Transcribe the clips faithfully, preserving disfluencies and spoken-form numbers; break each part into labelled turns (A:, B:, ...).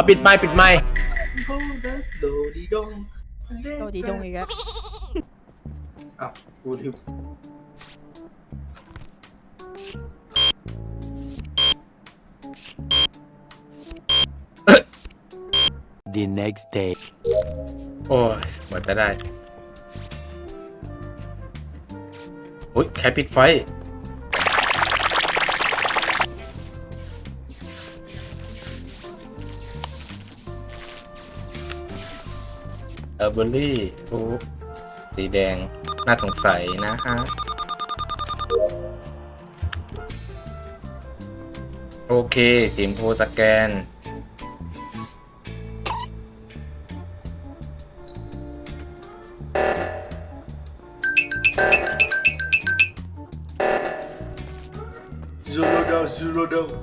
A: เอาปิดไมค์ปิดไมค์
B: โดดีดง
C: โดดีดงอีกแล้ว
B: อ้าวพูดถึง
D: The next day
A: โอ้ยหมดจะได้โอ้ยใครปิดไฟเออร์เบอรี่โอ้สีแดงน่าสงสัยนะฮะโอเคสีชมพูสแกน
B: ซูโรดาวซูโรดาว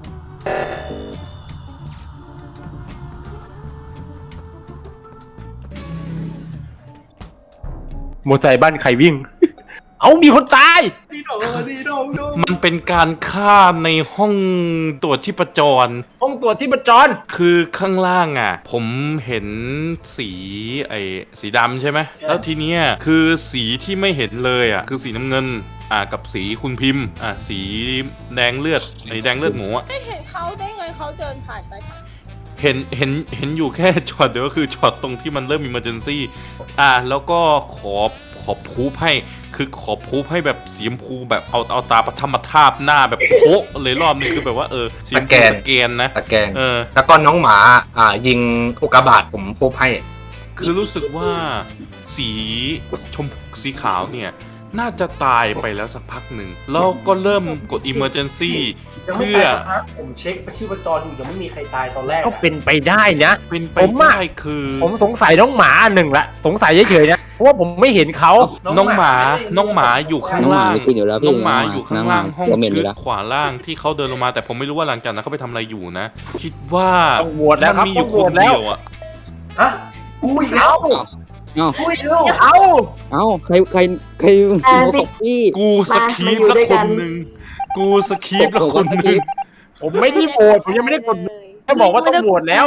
A: โมอไซค์บ้านใครวิ่ง เอามีคนตาย
B: ดีดงดีดงดง
E: มันเป็นการฆ่าในห้องตรวจชีพจร
A: ห้องตรวจที่ประจร
E: คือข้างล่างอ่ะ ผมเห็นสีไอ้สีดำใช่ไหม แล้วทีเนี้ยคือสีที่ไม่เห็นเลยอ่ะ คือสีน้ำเงิน อ่ากับสีคุณพิมพ์ อ่าสีแดงเลือดไอ้แดงเลือดหมูอ่ะ
C: ไม่เห็นเขาได้ไงเขาเดินผ่านไป
E: เห็นเห็นเห็นอยู่แค่ช็อตเดียวก็คือช็อตตรงที่มันเริ่มมี emergency อ่าแล้วก็ขอขอพูให้คือขอพูให้แบบสีชมพูแบบเอาเอาตาประทับมาทาบหน้าแบบโผล่เลยรอบนึงคือแบบว่าเออสีชมพูสแกนนะ
A: ตะแกง
E: เออ
A: แล้วก็น้องหมาอ่ายิงอุกกาบาตผมพบให้
E: คือรู้สึกว่าสีชมพูสีขาวเนี่ย น่าจะตายไปแล้วสักพักหนึ่งแล้วก็เริ่มกด emergency
B: ยังไม่
E: เพื่อ
B: ตายสักพักผมเช็คชีพจรอยู่ยังไม่มีใครตายตอนแรก
A: ก็เป็นไปได้นะ
E: เป็นไป
A: ผมอะ
E: ได้คือ
A: ผมสงสัยน้องหมาหนึ่งละสงสัยเฉยๆนะเพราะว่าผมไม่เห็นเขา
E: น้องหมาน้องหมาอยู่ข้างล่าง
F: น้องหมาไม่กินอยู่แล้วพี่
E: น้องหมาอยู่ข้างล่างห้อง
F: น้องหมา
E: ชื
F: อยู่
E: ด
F: แล้ว
E: ขวาล่างที่เขาเดินลงมาแต่ผมไม่รู้ว่าหลังจากนั้นเขาไปทำอะไรอยู่นะ คิดว่า
A: ต้องโหวตแล้วครับ
E: มันมีอยู่
A: ต้อง
E: ค
A: โหวน ตแล้ว
E: เดียวอ่ะ
B: ฮะกูอีกแล้ว
F: เอ้า
B: กูอีกแล้ว
A: เอา
F: เอ้าใครใครใคร
G: อ่า
F: โมกับพี่
E: กูสคีป
G: มาอยู่
E: แล้ว
G: ด้วย
E: ค
G: กัน
E: นหนึ่งกูสคีปแล้วคนหนึ่ง
A: ผมไม่ได้โหวตผมยังไม่ได้กดแค่บอกว่าต้องโหวตแล้ว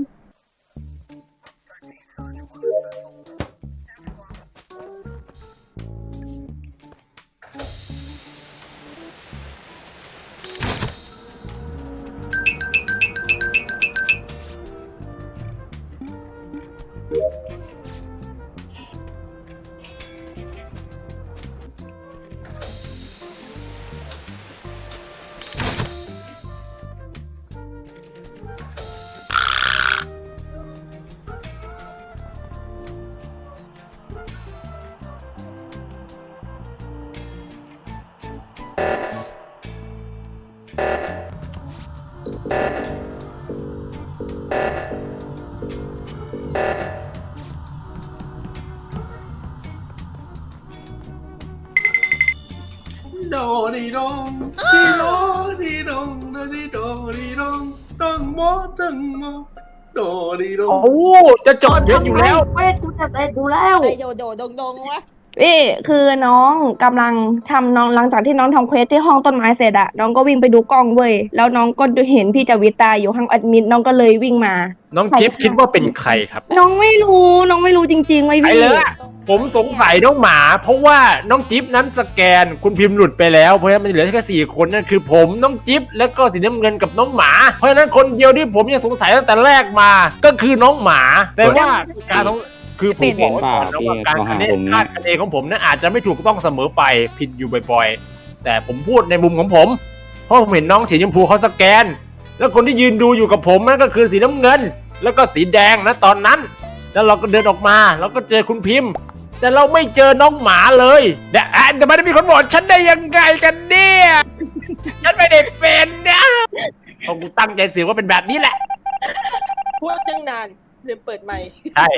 B: โดดีดงดีโดดีดงโดดีโดดีดงดังมอดังมอโดดีดง
A: โอ้จะจบเยอะอยู่แล้ว
G: เว้ยกูจะเสร็จดูแล้ว
C: ไอโดโดดงดงวะ
H: พี่คือน้องกำลังทำน้องหลังจากที่น้องทำเควสที่ห้องต้นไม้เสร็จอะน้องก็วิ่งไปดูกล้องเว้ยแล้วน้องก็เห็นพี่จวิตาอยู่ข้างแอดมิดน้องก็เลยวิ่งมา
A: น้องจิ๊บคิดว่าเป็นใครครับ
H: น้องไม่รู้น้องไม่รู้จริงๆไว้ย
A: ไอ้
H: พี่
A: เลยอะผมสงสัยน้องหมา เพราะว่าน้องจิ๊บนั้นสแกนคุณพิมพ์หลุดไปแล้วเพราะฉะนั้นมันเหลือแค่สี่คนนั่นคือผมน้องจิ๊บแล้วก็สีน้ำเงินกับน้องหมา เพราะฉะนั้นคนเดียวที่ผมยังสงสัยตั้งแต่แรกมาก็คือน้องหมา แต่ว่าการของคือผมบอกไว้ก่อนนะว่าการคะแนนคาดคะเนของผมนั้นอาจจะไม่ถูกต้องเสมอไปผิดอยู่บ่อยๆ แต่ผมพูดในมุมของผม เพราะผมเห็นน้องสีชมพูเขาสแกน แล้วคนที่ยืนดูอยู่กับผมนั่นก็คือสีน้ำเงิน แล้วก็สีแดงนะตอนนั้น แล้วเราก็เดินออกมาแล้วก็เจอคุณพิมพ์ แต่เราไม่เจอน้องหมาเลยแต่อ่ะแต่ไม่ได้มีคนบอกฉันได้ยังไงกันเนี่ยฉันไม่ได้เป็นนะเพราะกูตั้งใจสื่อว่าเป็นแบบนี้แหละ
C: พูดตั้งนานลืมเปิดไมค์
A: ใช่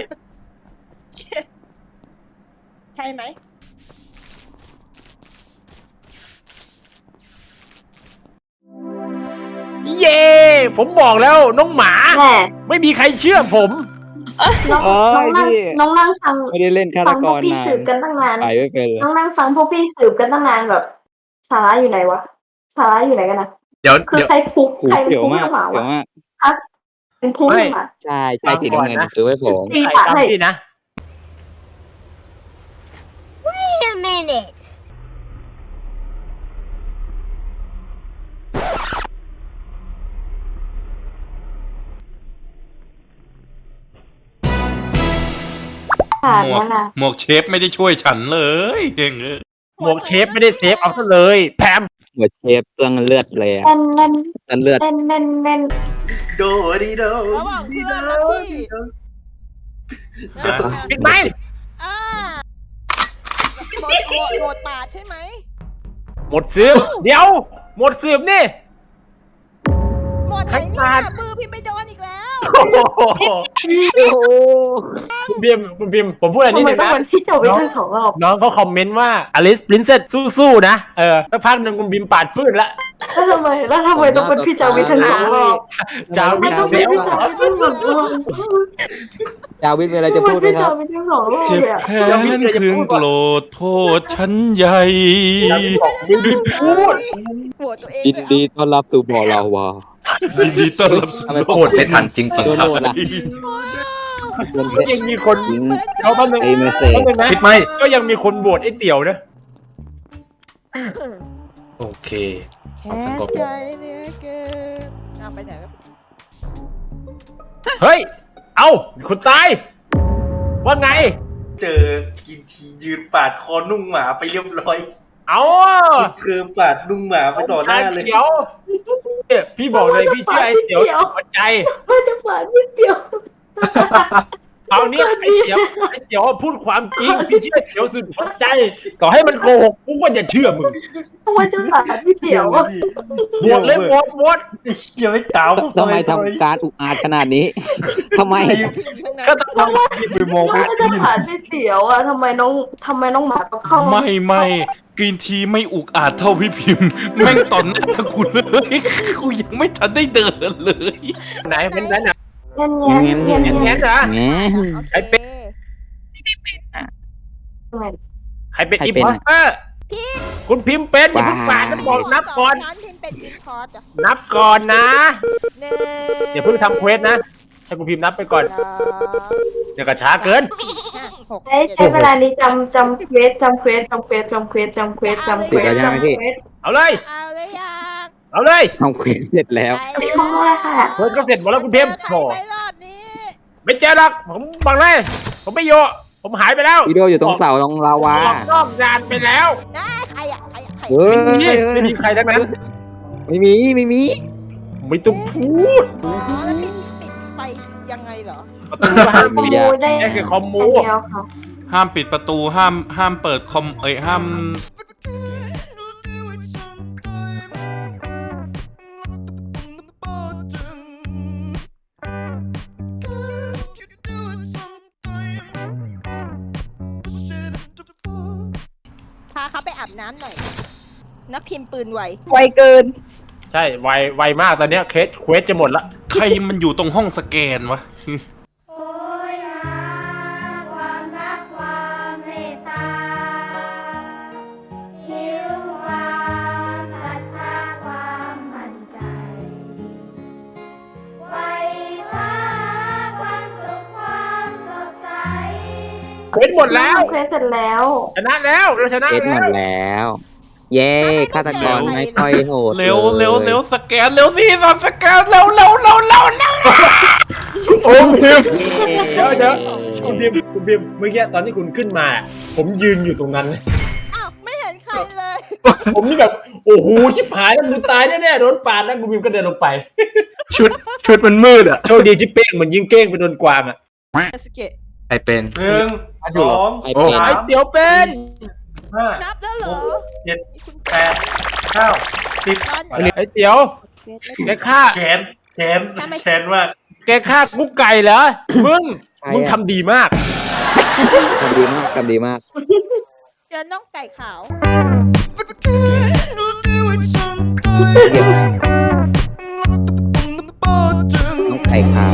C: ใช่ไหม
A: เย่ผมบอกแล้วน้องหมา
G: แหม
A: ไม่มีใครเชื่อผม
G: น้อง
F: โอ้
G: น้อง
F: ย
G: นั่ง
F: พี่
G: น้องนั่งฟัง
F: ไม่ได้เล่นฆาต
G: ฟัง
F: ก
G: พวก
F: ร
G: พี่
F: นาน
G: สืบกันตั้งนาน
F: ไปไม่เป็นเลย
G: น้องนั่งฟังพวกพี่สืบกันตั้งนานแบบ สาระอยู่ไหนวะสาระอยู่ไหนกันนะ
A: เดี๋ยว
G: คือ
A: เดี๋ยว
G: ใครคุก
F: หู
G: ใคร
F: เสียว
G: คุก
F: มาก
G: น้องหมา
F: เสียว
G: วะ
F: มาก
G: ครับเป็นผู้
A: ไม่
G: มา
F: ใช่ใช่สีน้ำเงินซื้อไว้ผม
G: ตี
A: ใคร
G: ปากให้
A: จำพี่นะ
I: Wait a minute.
G: ผ่าน
E: หมว
G: มาก ละ
E: หมวกเชฟไม่ได้ช่วยฉันเลยเองเอ้ย
A: หมวกเชฟไม่ได้เซฟเอาซะเลยแพม
F: หมดเชฟเปลืองเลือดเลยอะ
G: เน่นเน่น
F: เลือดเลือด
G: เน่นเน่นเน่น
B: โดดีโด
C: ระหว่าง
B: ดี
C: เพื่
B: โด
C: อนและพี่
A: ปิดไหม
C: อ่าโหวตโหวตโหวตปาดใช่ไหม
A: หมดสืบเดี๋ยว หมดสืบนี่
C: โหวตไหน
A: ใคร
C: เนี่
A: ปาย ด
C: มือพิมพ์ไปโดนอีกแล้ว
A: โอ้โหคุณพิมพ์คุณพิมพ์ผมพูดอะไร
G: ทำ
A: นิด
G: ไม
A: นึง
G: ต้อง
A: นะ
G: เป็นพี่โจวิททั้งสองรอบ
A: น้องเขาคอมเมนต์ว่าอลิสปรินเซสสู้ๆนะเออสักพักหนึ่งคุณพิมพ์ปาดพืชละ
G: แล้วทำไมแล้วทำไมต้องเป็นพี่โจวิททั้งสองรอบ
A: จาวิ
G: ไม่
A: ท
G: ต้อง
A: เซ
G: เป็น
A: ล
G: พี่โจวิททั้งสองรอบ
F: จาวิทมีอะไรจะพูดไหม
G: พี่
F: ค
G: โจ
F: รับ
G: วิททั้งสองรอบ
E: เจ็บ
G: เลยอะ
E: แค้นคืนโกรธโทษฉันใหญ่
A: จาวิทบอกมึงพิมพ์พูด
C: โหวตตัวเอง
F: ยิน
C: เลย
F: ดีต้อนรับสู่บ่อลาวา
E: ยินดีต้อนรับสู่
F: ทำไม
E: โล
F: โค
E: ก
F: ตรไม่ทันจริงๆครับมัน
A: ยังมีคนเขาแป๊บนึง
F: ไอ้เมสเซจ
A: แป๊บนึงนะ
B: คิดไหม
A: ก็ยังมีคนโหวตไอ้เตี๋ยวนะ
B: โอเค
C: แค้นใจเนี่ยเกินเอาไปไหนแล้ว
A: เฮ้ย เอาคุณตาย ว่าไง
B: เจอกินทียืนปาดคอนุ่งหมาไปเรียบร้อย
A: เอา
B: เธอปาดนุ่งหมาไปต่อหน้าเลย
A: เตี๋ยวเนี่ยพี่บอกเลยพี่เชื่อไอ้เตี๋ยวหัวใจ
G: ไม่จะผ่านพี่เดียว
A: เอาเนี่ยไอ้เตี๋ยวไอ้เตี๋ยวพูดความจริงพี่เชื่อไอ้เตี๋ยวสุดหัวใจ ต่อให้มันโกหกกูก็จะเชื่อมึง
G: ทำไมจะผ่านพี่เดียวอะ
A: โหวตเลยโหวตโหวต
B: ยังไม่ตาม
F: ทำไมทำการอุกอาจขนาดนี้ทำไม
A: ก็ต้องทำ
B: ไปมอง
G: ทำไมจะผ่านพี่เดียวอะทำไมน้องทำไมน้องหมาต้องเข้า
E: ไม่ไม่กรีนทีไม่อุกอาจเท่าพี่พิมพ์ แม่งตอนหน้ากูเลยกูยังไม่ทันได้เดินเลย
A: ไหนเป็นไหนน่ะ
G: เงี้ยเงี้ยเงี้ยเงี้ย
A: แง้นเหรอ
F: แง
A: ไอ้เป็ด ใครเป็น
F: ใคร
A: อิม
F: เป็น
A: พอสเตอร์คุณพิมพ์เป็นอย่าเพิ่งปาดนะบอกนับก่อน
C: ฉันพิมพ์เป็นอินพอร์ตอะ
A: นับก่อนนะ
C: หนึ่ง
A: อย่าเพิ่งทำเควสนะให้คุณพิมพ์นับไปก่อน
C: สอง
A: เดี๋ยวก็ช้าเกิน
C: ห้าหก
G: ใช้ใช้เวลานี้จำจำเควสจำเควสจำเควสจำเควสจำเควสจำเควสจำเควส
A: เอาเลย
C: เอาเลยยัง
A: เอาเลย
F: ทำเควสเสร็จแล้ว
G: อันนี้ของอะไรค่ะ
A: เควสก็เสร็จหมดแล้วคุณพิมพ์
C: เจ
A: โถ
C: อใครไหมรอบนี้
A: ไม่เจอหรอกผมบังเลย ผมไม่อยู่ผมหายไปแล้ว
F: วิดีโออยู่ตรงเสาตรงลาวา
A: ออกนอกงานไปแล้ว
C: นะใครอะใครอะใคร
F: เฮ้
C: อะ
A: ไม่
F: ย
A: มีไม่มีใครทั้งนั้น
F: ไม่มีไม่มี
A: ไม่ต้องพูด
C: อ๋อแล้วปิดปิดไฟยังไงเหรอ
A: ประตูห้าม
G: คอมมูได้
A: นี่คือคอมมู
G: อันเดียวค่ะ
E: ห้ามปิดประตูห้ามห้ามเปิดคอมเอ้ยห้าม
C: พาเขาไปอาบน้ำหน่อย นักพิมพ์ปืนไว
H: ไวเกิน
A: ใช่ไวไวมากตอนเนี้ยเคสเควสจะหมดละ
E: ใครมันอยู่ตรงห้องสแกนวะ
I: โอ้ยหาความรักความเมตตาหิวความศรัทธาความมั่นใจไว้คว้าความสุขความสดใส
A: เควสหมดแล้ว
G: เควสเสร็จแล้ว
A: ชนะแล้วเราชนะ
F: เควสหม
A: แล้
F: ด
A: ว
F: แล้ว เย้ฆาตกรไม่ค่อยโหด
E: เร็ว
F: ลย
E: เร็วเร็วสแกนเร็วสิสับสแกนเร็วเร็วเร็วเร็วเร็ว
A: โอ้พิม
F: เย้
A: เดี๋ยวเดี๋ยวคุณพิมคุณพิมเมื่อกี้ตอนที่คุณขึ้นมา ผมยืนอยู่ตรงนั้น
C: อ้าว ไม่เห็นใครเลย
A: ผมนี่แบบโอ้โหชิบหายแล้วมึงตายแน่ๆโดนปาดแล้วคุณพิมก็เดินลงไป
B: ชุดชุดมันมืดอ่ะ
A: โชคดีที่เป้งมันยิงเก้งไปโดนกวางอ่ะ
C: สเกต
B: ใครเป็นหนึ่งสอง
F: ไอเป็น
A: ไอเตี๋ยวเป็น
B: ห้า
C: นับแล้วเหรอ
B: เจ็ด
C: คุณ
B: แปดเก้าสิบ
C: ตอนไหน
A: ไอเตี๋ยวแกฆ่า
B: แขนแขนแขนมาก
A: แกฆ่ากุ๊กไก่เหรอมึงมึงทำดีมาก
F: ทำดีมากทำดีมาก
C: เจอน้องไก่ขาว
F: น้องไก่ขาว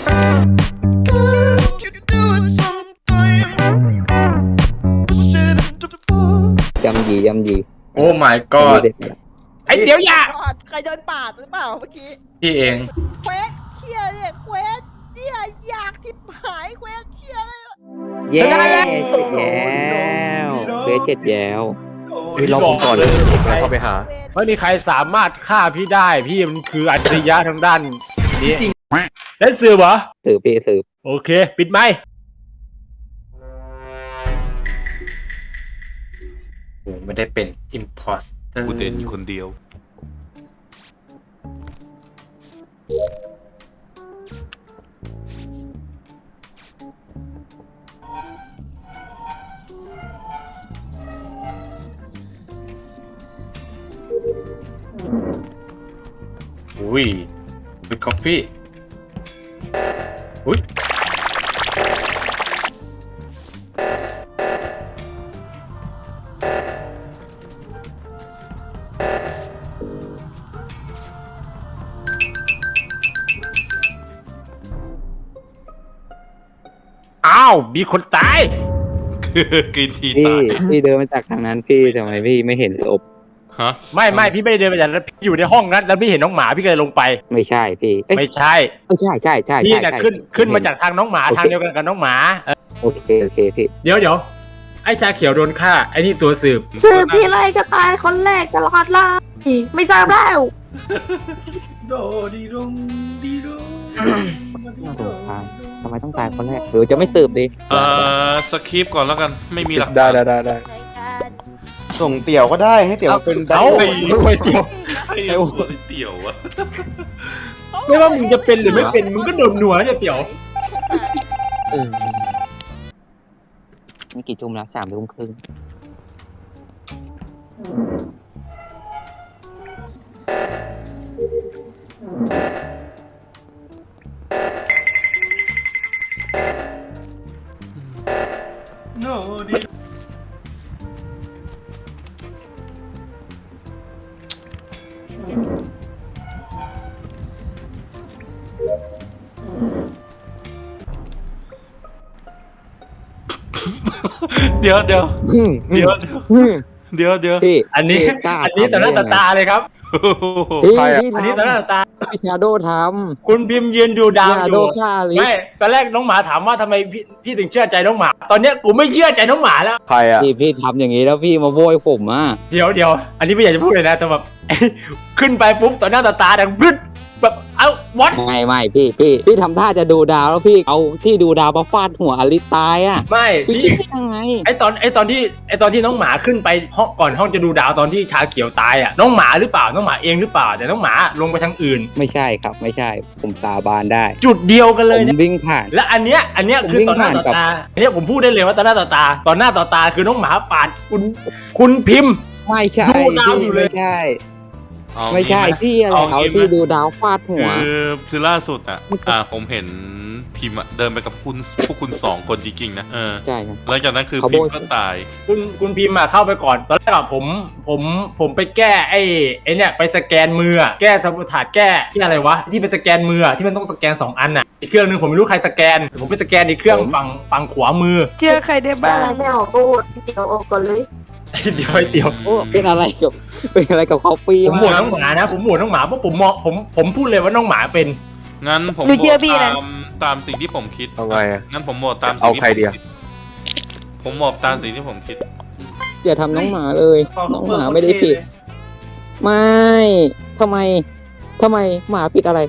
F: ยำยียำยี
B: โอ้ my god
A: ไอเตี๋ยวอย่า
C: ใครเดินปาดหรือเปล่าเมื่อกี้
B: พี่เอง
C: เควสที่ชียเนี่ยเควสเนี่ยอยากทิบหายเควสเชียเลย
F: เย้
A: ชนะแล้ว
F: เจ็ดแล้วเควสเจ็ดแล้ว
B: โอ้ย
A: รอผมก่อนเลยผมกำลังเข้าไปหา
C: เควส
A: ไม่มีใครสามารถฆ่าพี่ได้พี่มันคืออัจฉริยะทางด้านนี้จริงเล่นสื่อเหรอ
F: สืบพี่สืบ
A: โอเค ปิดไมค์ไม่ได้เป็น imposter
E: กูเด่นอยู่คนเดียว
A: อุ้ยเป็นกาแฟอุ้ยอ้าว มีคนตาย
E: กินที
F: พี่
E: ตาย
F: พี่เดินมาจากทางนั้นพี่ทำไมพี่ไม่เห็นศพ
E: ฮะ
A: ไม่ไม่พี่ไม่ได้เดินไปจากนั้นพี่อยู่ในห้องนั้นแล้วพี่เห็นน้องหมาพี่ก็เลยลงไป
F: ไม่ใช่พี่เอ้ย
A: ไม่ใช่
F: ไม่ใช่ใช่ใช่
A: พี่
F: ใช่
A: น่ะ
F: ใช่
A: ขึ้นขึ้นมา
F: เห็
A: จากทางน้องหมา
F: โอเค
A: ทางเดียวกันกับน้องหมาเออ
F: โอเคโอเคพี่
A: เดี๋ยวเดี๋ยวไอ้ชาเขียวโดนฆ่าไอ้นี่ตัวสืบ
G: สืบทีไรก็ตายคนแรกตลอดเลยไม่ทราบแล้ว
B: โดดีดงดีดง
F: น่าสงสารทำไมต้องตายคนแรกหรือจะไม่สืบดี
E: เอ่อสคริปต์ก่อนแล้วกันไม่มีหลัก
A: ได้
E: ฐาน
A: ได้ได้ได้
C: รายการ
J: ส่งเตี่ยวก็ได้ให้เตี่ยวมาเป็น
A: เอา
J: ได
A: ไม่เกี่ยว
E: ไอ้เตี่ยวอะ
A: ไม่ว่ามึงจะเป็นหรือไม่เป็นมึงก็โดนหนัวเนี่ยเปี่ยว
F: เออนี่กี่ทุ่มแล้วสามทุ่มครึ่ง
B: โนดี
E: เดี๋ยวเดี๋ยว
F: อืม
E: เดี๋ยวเดี๋ยว
F: อืม
E: เดี๋ยวเดี๋ยว
F: พี่
A: อันนี้
F: พี่กล้า
A: อันนี้ต่อหน้าต่อตาเลยครับ
F: พี่
J: ใครอะ
F: พี่
A: อันนี้ต่อหน้าต่อตา
F: พี่ชาโดท
A: คุณพิมพ์ยืนดู
F: ำ
A: ดาว
F: ชา
A: อ
F: โด
A: ยู่
F: ฆ่าลิ
A: ไม่ตอนแรกน้องหมาถามว่าทำไมพี่พี่ถึงเชื่อใจน้องหมา ตอนเนี้ยกูไม่เชื่อใจน้องหมาแล้ว
J: ใครอ่ะ
F: พี่พี่ทำอย่างนี้แล้วพี่มาโวยผมอ่ะ
A: เดี๋ยวเดี๋ยวอันนี้ไม่อยากจะพูดเลยนะแต่แบบ ขึ้นไปปุ๊บต่อหน้าต่อตาดังบึ้ดแบบเอ้าวัด
F: ไม่ไม่พี่พี่พี่ทำท่าจะดูดาวแล้วพี่เอาที่ดูดาวมาฟาดหัวอลิสตายอ่ะ
A: ไม่
F: พี่
A: พี่
F: คิดได้ยังไง
A: ไอตอนไอตอนที่ไอตอนที่น้องหมาขึ้นไปห้องก่อนห้องจะดูดาวตอนที่ชาเขียวตายอ่ะน้องหมาหรือเปล่าน้องหมาเองหรือเปล่าแต่น้องหมาลงไปทางอื่น
F: ไม่ใช่ครับไม่ใช่ผมสาบานได้
A: จุดเดียวกัน
F: ผ
A: เลย
F: ม
A: นะ
F: วิ่งผ่าน
A: และอันเนี้ยอันเนี้ย
F: ผม
A: คือ
F: วิ่ง
A: ต่อหน้า
F: ผ่าน
A: ต่อ
F: กับ
A: ตาอันเนี้ยผมพูดได้เลยว่าต่อหน้าต่อตาต่อหน้าต่อตาคือน้องหมาปาดคุณคุณพิมพ์
F: ไม่ใช่
A: ดูดาวอยู่เลย
F: ไม่ใช่
E: เอา
F: ไม่ใช่
E: งี้ห
F: พี่อะไร
E: เอา
F: เอา
E: งี้ไหม
F: ที่ดูดาวฟาดหัว
E: คือคือล่าสุดอ่ะ อ่าผมเห็นพิมพ์อะเดินไปกับคุณพวกคุณสองคนจริงๆนะเออ
F: ใช่ครับ
E: หลังจากนั้นคือ
F: เขา
E: พิม
F: โบย
E: พ์ก็ตาย
A: คุณคุณพิมพ์มาเข้าไปก่อนตอนแรกอะผมผมผมไปแก้ไอ้ไอ้เนี่ยไปสแกนมืออะแก้สมุดถาดแก้ที่อะไรวะที่ไปสแกนมืออะที่มันต้องสแกนสองอันอ่ะอีกเครื่องหนึงผมไม่รู้ใครสแกนผมไปสแกนอีกเครื่องฝั่งฝั่งขวามือ
H: เชื่อใครได้บ้าง
G: อะไรไม่ออกก็โหวตเดี๋ยวออกก่อนเลย
A: เดี๋ยวไอ้เตี๋ยว
F: โอ้เป็นอะไรกับเป็นอะไรกับเขาปี
A: ผมโหวตน้องหมานะผมโหวตน้องหมาเพราะผมมองผมผมพูดเลยว่าน้องหมาเป็น
E: งั้นผม
H: หนู
E: โห
H: เชื่
E: ว
H: อ
E: ต
H: พี่นะ
E: ตามตามสิ่งที่ผมคิด
J: เอาไงอะ
E: งั้นผมโหวตตามสิ่
J: เอา
E: งที่
J: ใคร
E: ผม
J: เดียว
E: คิดผมโหวตตามสิ่งที่ผมคิด
F: อย่าทำน้องหมาเลย น้องหมาไม่ได้ผิด ไม่ทำไมทำไมหมาผิดอะไร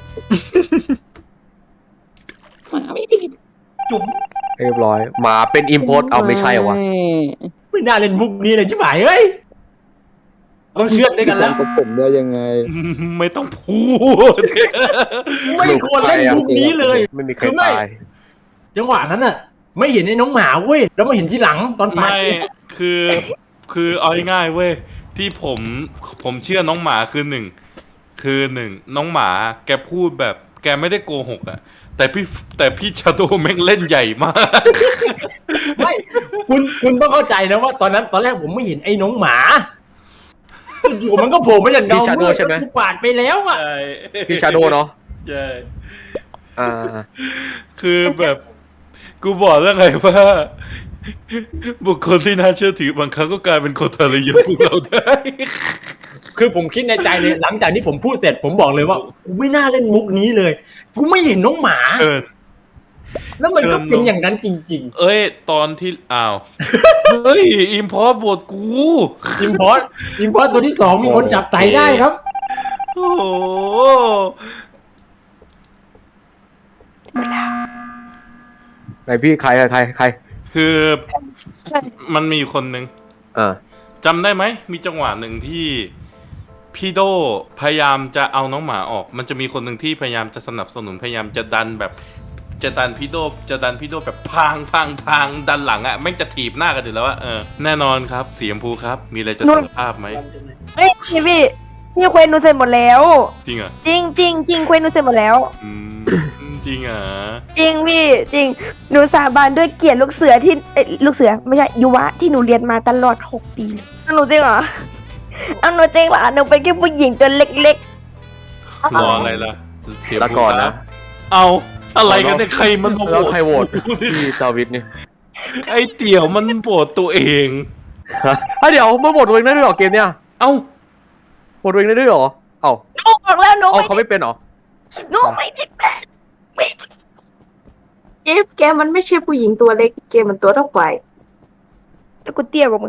F: หมาไม่ผิด
B: จุ๋ม
J: เรียบร้อยหมาเป็นอิมโพสเอาไม่ใช่เหรอวะ
A: ไม่น่าเล่นมุกนี้เลยชิบหายเฮ้ยต้องเชื่อดด้วยกันแล้ว
F: กับผมได้ยังไง
E: ไม่ต้องพูด
A: ไม่ควรเล่นมุกนี้เลย
J: ไม่มีใคร
A: คือไม่
J: ตาย
A: จังหวะนั้นน่ะ ไม่เห็นไอ้น้องหมาเว้ยแล้วมาเห็นทีหลังตอนปาด
E: ไม่คือคือเอาง่ายๆเว้ยที่ผมผมเชื่อน้องหมาคือหนึ่งคือหนึ่งน้องหมาแกพูดแบบแกไม่ได้โกหกอะแต่พี่แต่พี่ชาโดแม่งเล่นใหญ่มาก
A: ไม่คุณคุณต้องเข้าใจนะว่าตอนนั้นตอนแรกผมไม่เห็นไอ้น้องหมาอยู่ๆมันก็โผล่มาจากเงา
J: พี่ชาโด
A: มืด
J: ใช่ไหม
A: แล้วกูปาดไปแล้วอ่ะ
E: ใช่
J: พี่ชาโดเนาะ
E: ใช่
J: อ่า
E: คือแบบกูบอกแล้วไงว่า บุคคลที่น่าเชื่อถือบางครั้งก็กลายเป็นคนทรยศพวกเราได้
A: คือผมคิดในใจเลยหลังจากที่ผมพูดเสร็จผมบอกเลยว่ากูไม่น่าเล่นมุกนี้เลย กูไม่เห็นน้องหมา
E: เชิญ
A: แล้วมันก็เป็นอย่างนั้นจริง
E: เอ้ย ตอนที่อ้าว เฮ้ย อิมพอร์ตบทกู
A: ๆ อิมพอร์ตอิมพอร์ตตัวที่สองมีคนจับใส่ได้ครับ
E: โอ้โห
J: ไหนพี่ใครอะใครใคร
E: คือมันมีอยู่คนหนึ่ง
J: อ่า
E: จำได้ไหม มีจังหวะหนึ่งที่พี่โดพยายามจะเอาน้องหมาออก มันจะมีคนหนึ่งที่พยายามจะสนับสนุนพยายามจะดันแบบจะดันพี่โดจะดันพี่โดแบบพังพังพังดันหลังอะแม่งจะถีบหน้ากันอยู่แล้วอะเออแน่นอนครับสีชมพูครับ มีอะไรจะสารภาพไหม
H: เฮ้ยพี่พี่พี่เควสหนูเสร็จหมดแล้ว
E: จริงเหรอ
H: จริงจริงจริงเควสหนูเสร็จหมดแล้ว
E: อืมจริงเหรอ
H: จริงพี่จริงหนูสาบานด้วยเกียรติลูกเสือที่เอ้ยลูกเสือไม่ใช่ยุวะที่หนูเรียนมาตลอดหกปีเลยเอาหนูจริงเหรอเอาหนูจริงเหรอหนูเป็นแค่ผู้หญิงตัวเล็ก
E: รออะไรล่ะเสีย
J: ละก่อนนะ
E: เอาอะไรกันเนี่ยใครมันมาโห
J: แล้ว
E: วต
J: ใครโหวตพี่จาวิทนี่
E: ไอ้เตี่ยวมันโหวตตัวเอง
J: ฮะเดี๋ยวมึงโหวตตัวเองได้ด้วยเหรอเกมเนี้ย
E: เอ้า
J: โหวตตัวเองได้ด้วยเหรอเอ้า
H: ๆหนูบอกแล้วหนู
J: เอา
H: ไม่
J: เขาไม่เป็นเหรอ
H: หนูไม่ได้เป็น
G: เกมแกมันไม่ใช่ผู้หญิงตัวเล็กเกมมันตัวเท่าไหร่
H: แล้วกูเตี้ยกว่ามึง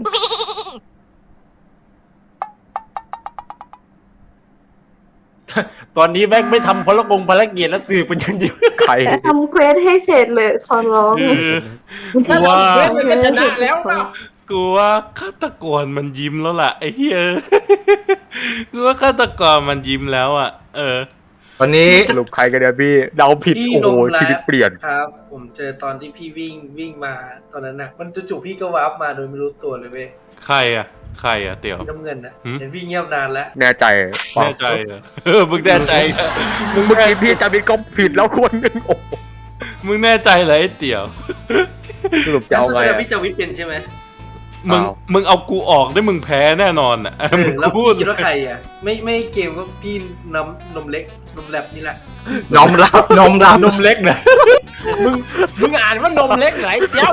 A: ตอนนี้แม่งไม่ทำพลกงภารกิจแล้วสื่อเป็นอย่างเดียว
J: ใคร
G: ทำเควสให้เสร็จเลยขอร้อง
E: กูว่า
A: เว้ยมันก็ชนะแล้วเปล่า
E: กูว่าฆาตกรมันยิ้มแล้วล่ะไอ้เหี้ยกูว่าฆาตกรมันยิ้มแล้วอ่ะ เออ
J: ตอนนี้สรุปใครกันเนี่ยพี่เดาผิด
B: พี่
J: โอ้โห
B: นมแล้
J: ชีวิตเปลี่ยน
B: ครับ ผมเจอตอนที่พี่วิ่งวิ่งมาตอนนั้นน่ะ มันจู่ๆพี่ก็วาร์ปมาโดยไม่รู้ตัวเลยเว้ย
E: ใครอ่ะ ใครอ่ะเตี่ยว
B: พี่น้ำเงินน่ะ
E: หืม
B: เห็นพี่เงียบนานแล้ว
J: แน่ใจเปล่า
E: แน่ใจเหรอเออมึงแน่ใจเหรอ
J: มึงเมื่อกี้พี่จาวิทก็ผิดแล้วคนหนึงโอ้โห
E: มึงแน่ใจเหรอไอ้เตี่ยว
J: สรุปจะเอาไง
B: แสด
J: อะ
B: พี่จาวิทเป็นใช่ไหม
E: มึง
J: อ้าว
E: มึงเอากูออกได้มึงแพ้แน่นอนอ่ะ
B: เออ
E: มึง
B: แล้ว
E: พู
B: พี่
E: ด
B: คิดว่าใครอ่ะ ไม่ไม่เกมก็พี่น้ำนมเล็กนมแลบนี่แหละ
J: น้อมรับน้อมรับ
A: นมเล็กนะมึงมึงอ่านว่านมเล็กไหนเจ้า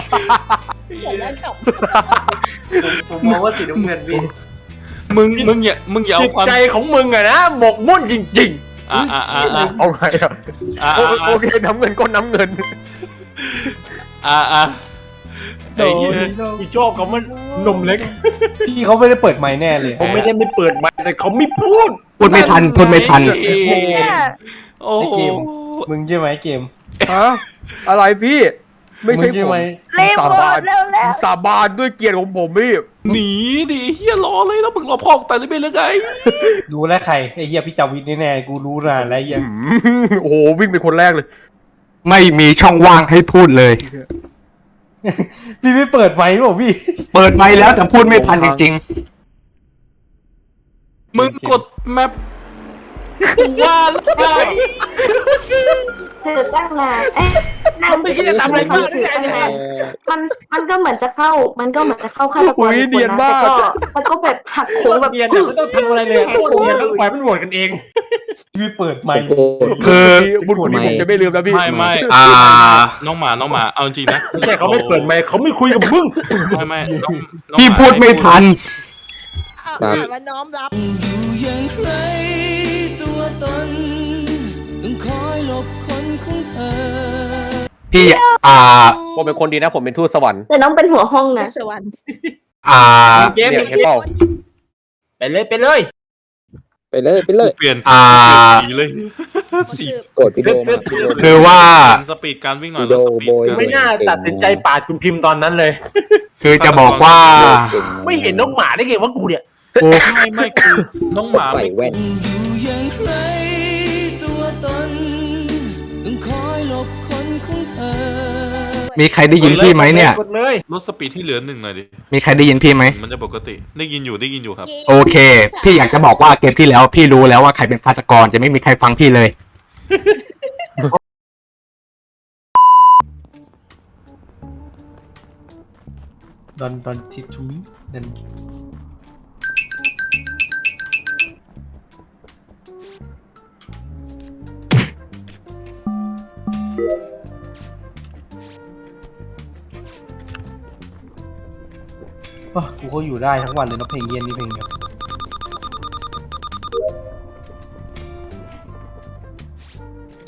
B: ผมมองว่าสีน้ำเงินพี่
E: มึงมึงอย่ามึงอย่า
A: จิ
E: เอา
A: ต
E: ความ
A: ใจของมึงอะนะหมกมุ่นจริง
E: อ่ะอ่ะอ่ะอ่ะ
J: เอาไงอะ
E: อ่ะ
J: โอ
E: อ่ะ
J: โอเคน้ำเงินก็น้ำเงิน
E: อ่ะอ่ะ
A: ๆ
E: ไอ้เหี้ย
A: อีชอบเขามันนมเล็ก
B: พี่เขาไม่ได้เปิดไมค์แน่เลย
A: ผมไม่ได้ไม่เปิดไมค์แต่เขาไม่พูด
J: พูดไม่ทันพูดไม่ทัน
E: โอ้โห
B: มึงใช่ไหมเกม
J: ฮะอะไรพี่ ไม่ใช่
B: มึง
J: ผ
B: ใช่
J: ม
B: ไหม
H: เล่น
J: สา
H: หม
J: บา
H: ด
J: น
H: แล้วแล้ว
J: สาบานด้วยเกียรติของผมพี่
E: หนีดิเฮียรอเลยแล้วมึงรอพ่อตายเลยไปเลยไง
B: รู้แล้วใครไอ้เหี้ยพี่จาวิทแน่ๆกูรู้นานแล้วไอ้เหี้ย
J: อืมโอ้โหวิ่งเป็นคนแรกเลย
K: ไม่มีช่องว่างให้พูดเลย
B: พี่ไม่เปิดไมค์หรอพี่
K: เปิดไมค์แล้วแต่พูดไม่ทันจริง
E: มึงกดแมปกูว่าแล้ว
G: เธอตั้งนานเอ๊ะนั่ง
A: ไม่คิดจะทำอะไรบ้าง
G: สิ
A: ได้ไง
G: มันมันก็เหมือนจะเข้า มันก็เหมือนจะเข้าฆาตก
J: อุ๊
G: ร
J: ย
G: อีก
J: เนียน
G: ค
J: มาก
G: แต่ก็มันก็แบบหักโค้งแบบ
A: เนียนอะไม่ต้องทำอะไรเลยโคตรเนียนต้องปล่อยมันโหวตกันเอง
B: พี่เปิดไมค์
F: โอ้โห
K: คือ
J: บุญคุณนี้ผมจะไม่ลืมนะพี่
E: ไม่ไม่
K: อ่า
E: น้องหมาน้องหมาเอาจริงนะ
A: ไม่ใช่เขาไม่เปิดไมค์เขาไม่คุยกับมึง
E: ไม่ไม่น้องน้อง
K: พี่
E: หา
K: พูดไม่ทัน
C: เอาอ่านว่าน้อมรับ
K: พี่อ่า
J: ผมเป็นคนดีนะ ผมเป็นทูตสวรรค์
G: แต่น้องเป็นหัวห้องนะ
C: สวรรค์
K: อ่า
A: เกม
J: เนี่ยเห็นเปล่า
A: ไปเลยไปเลย
F: ไปเลยไปเลย
E: เปลี่ยน
K: อ่า
E: สีเลยสี
F: กดวิดีโอมาวิดีโอ
K: คือว่า
E: สปีดการวิ่งหน่อย
F: วิดี
E: แล้ว
F: โอ
E: สปีด
F: โบย
E: การ
A: ไม่น่าตัดสินใจปาดคุณพิมพ์ตอนนั้นเลย
K: คือจะบอกว่า
F: เก่ง
A: ไม่เห็นน้องหมาได้ไงว่ากูเนี่ย
K: กู
E: ไม่ไม่คือน้องหมา
F: ใส่
E: ไม่
F: แว่น
K: มีใครได้ยินพี่ไหมเนี่ย
A: กดเลย
E: ลดสปีดที่เหลือหนึ่งหน่อยดิ
K: มีใครได้ยินพี่ไหม
E: มันจะปกติได้ยินอยู่ได้ยินอยู่ครับ
K: โอเค พี่อยากจะบอกว่าเกมที่แล้วพี่รู้แล้วว่าใครเป็นฆาตกรจะไม่มีใครฟังพี่เลย
B: ดอนดอนทิทูมินั่นโอ้กูก็อยู่ได้ทั้งวันเลยนะเพลงเย็นนี่เพลงเดียว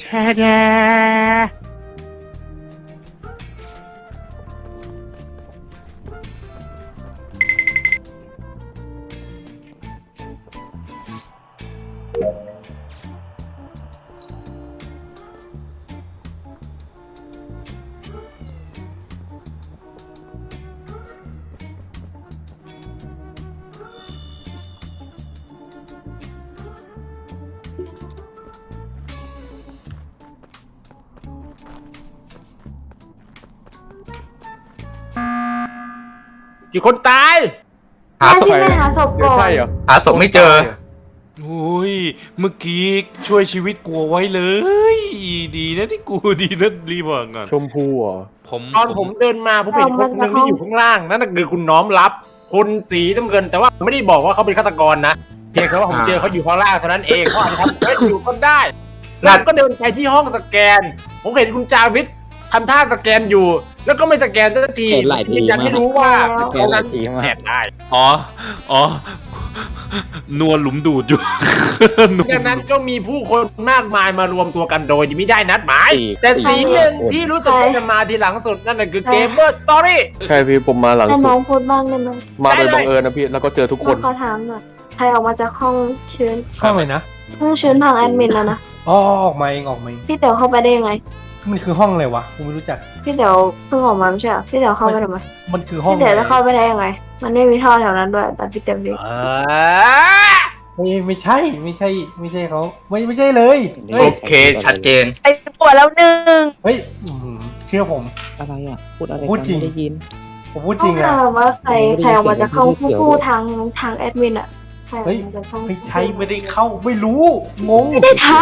A: กี่คนตาย
K: หาศพ
G: ที่ไม่หาศพ
J: เดี๋ย
G: ก่
J: ว
G: อ
J: ใช่
G: น
J: เหรอ
K: หาศพไม่เจอ
E: โอ้ยเมื่อกี้ช่วยชีวิตกูเอาไว้เลย ดีนะที่กูดีนะรีบบอกก่อน
J: ชมพูเหรอ
E: ผม
A: ตอนผมเดินมาผมเห็นคนหนึ่งที่อยู่ข้างล่างนั่นคือคุณน้อมรับคนสีน้ำเงินแต่ว่าไม่ได้บอกว่าเขาเป็นฆาตกรนะเพียงแค่ว่าผมเจอเขาอยู่ข้างล่างเท่านั้นเองเขาอาจจะทำเควสอยู่ก็ได้แล้วก็เดินไปที่ห้องสแกนผมเห็นคุณจาวิททำท่าสแกนอยู่ แล้วก็ไม่สแกนสักที
F: เห็นหลายที
A: ยืนยัน
F: มาก
A: ไม่รู้ว่า
F: แก
A: ตรง
F: หลา
A: นั้
F: ย
A: น
F: ทีมาก
A: แอบได้
E: อ๋ออ๋อนัวหลุมดูดอยู่ นัว
A: ดังนั้นก็มีผู้คนมากมายมารวมตัวกันโดยไม่ได้นัดหมาย
F: สี่
A: แต่สี
F: สี่
A: หนึ่ง
F: คน
A: ที่รู้สึกว่าจะมาทีหลังสุดนั่นน่ะคือเกมเมอร์สตอรี่
J: ใช่พี่ผมมาหลัง
G: ให้
J: สุ
G: น้อ
J: ด
G: งพูดบ้างได้ไหม
J: มาโดย
A: ได้เลย
J: บังเอิญนะพี่ แล้วก็เจอทุกคน
G: ขอถามหน่อยใครออกมาจากห้องเชิญ
L: ห้องเลยนะ
G: ห้องเชิญทางแอดมินแล้วนะ
L: อ๋อออกมาเองออกมาเอง
G: พี่เต๋อเข้าไปได้ยังไง
L: มันคือห้องอะไรวะกูไม่รู้จัก
G: พี่เต๋อเพิ่งออกมาไม่ใช่เหรอพี่เต๋อเข้าไปทำไม
L: มันคือห้อง
G: พี่เต๋อจะเข้าไปได้ยังไง มันไม่มีท่อแถวนั้นด้วยแต่พี่เต๋อดี
L: ไม่ไม่ใช่ไม่ใช่ ไม่ใช่เขาไม่ไม่ใช่เลย
K: โอ
L: เฮ้ย
K: เค ชัดเจน
H: ไอ้ปวดแล้วหนึ่ง
L: เฮ้ยอื้อหือเชื่อผม
F: อะไรอ่ะ พูดอะไร
L: พูด
F: กัน
L: จริง
F: ไม่ได้ยิน
L: ผมพูดจ
G: ต้
L: ริ
G: อง
L: งนะ
G: ถามว่าใครใครออกมาจากห้องผู้ผู้ทางทางแอดมินอะใครออก
L: เฮ้ย
G: มาจากห้อง
L: ไม่ใช่ไม่ได้เข้าไม่รู้งง
G: ไม่ได้ท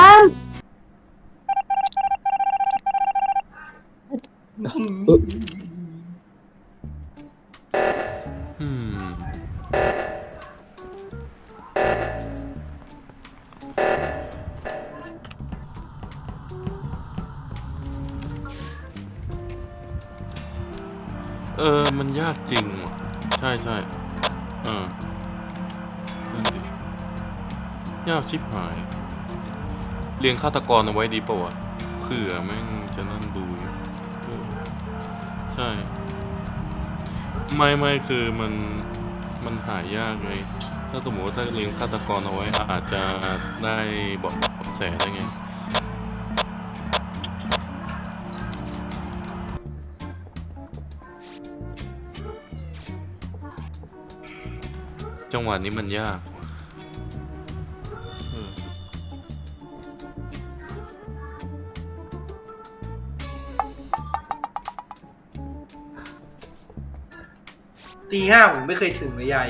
E: อืมเออ มันยากจริงว่ะใช่ใช่เออนั่นดิยากชิบหาย เรียงฆาตกรเอาไว้ดีป่าวะเผื่อแม่งจะนั่นดูอยู่เออใช่ ไม่ไม่คือมันมันหายากไง ถ้าสมมติว่าถ้าเลี้ยงฆาตกรเอาไว้อาจจะได้เบอกแสได้ไง จังหวะนี้มันยากว่ะเออ
B: ตีห้าผมไม่เคยถึงเลยยาย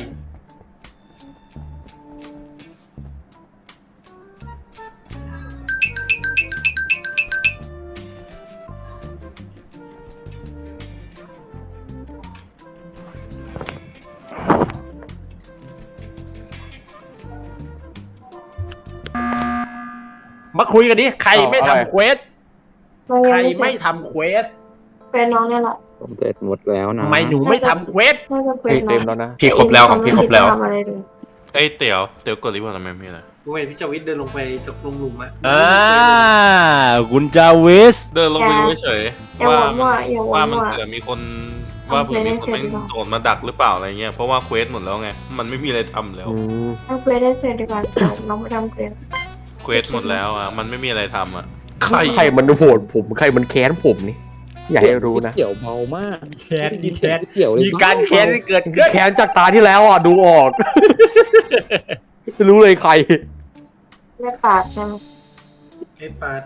A: มาคุยกันดิใครไม่
J: เอาอะไร
A: ทำเควส
G: ำมัน
A: ใค
G: ยั
A: รง
G: ไม่เสร็
A: ไม่
G: จ
A: ทำเควส
G: เป็นน้องเนี่ยแหละ
F: ผมเสร็จหมดแล้วนะ
A: ทำไมหนูไม่ทำเควส
G: น่าจะเป็
J: เฮ้ย
G: นน้
J: เต็
G: อง
J: มแล้วนะ
K: พี่ครบแล้วของพี่ครบแล้ว
G: ทำอะไรเลย
E: เอ้ยเตี๋ยวเตี๋ยวกดรีพอร์ตทำไมไม่ล่ะ
B: ผมเห็นพี่จวิทย์เดินลงไปจากลงหลุมอะ
A: อ่าคุณจาวิส
E: เดินลงไปดูเฉย
G: อย่า
E: ว่า
G: หวังว่าอย่าหวั
E: ว่าง มัน
G: ว่า
E: เผื่อมีคนว่าเผื่อมีคนแม่งโดดมาดักหรือเปล่าอะไรเงี้ยเพราะว่าเควสหมดแล้วไงมันไม่มีอะไรทำแล้ว
J: อืม
G: ทำเควสได้เสร็จดีกว่าจบน้องไปทำเควส
E: เควสหมดแล้วอ่ะมันไม่มีอะไรทำอ่ะใคร
J: ใครมันโหวตผม ใครมันแค้นผมนี่ อย่าให้รู้นะ
F: เกี่ยวเบามาก
A: แค้นมีแค้น
F: เกี่ยวเลย
A: มีการแค้นที่เกิดขึ้น
J: แค้นจากตาที่แล้วอ่ะ ดูออก รู้เลยใคร
G: ไม่ปาดใช่ไหม
B: ไอ้ปาด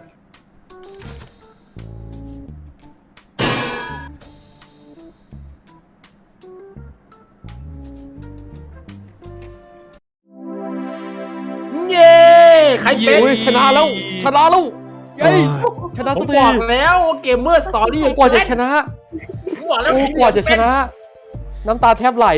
A: เย้ใครเป็น
J: อุ้ยชนะแล้ว ชนะแล้วเย้ยชนะ
A: ผ
J: สั
A: ม
J: กที
A: บอกแล้วว่าเกมเมอร์สตอรี่
J: กว่าจะชนะ
A: ผมบอกแล้ว
J: โอ้กว่าจะชนะ น้ำตาแทบไหล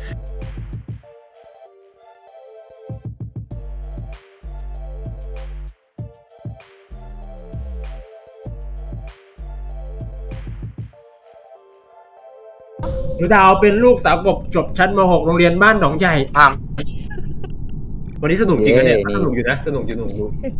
A: หนูดาวเป็นลูกสาวกบจบชั้นม .หก โรงเรียนบ้านหนองใหญ่
K: อ้าม
A: วันนี้สนุกจริงนะเนี่ย
F: เย้นี่
A: สนุกอยู่นะ สนุกอยู่สนุกอยู่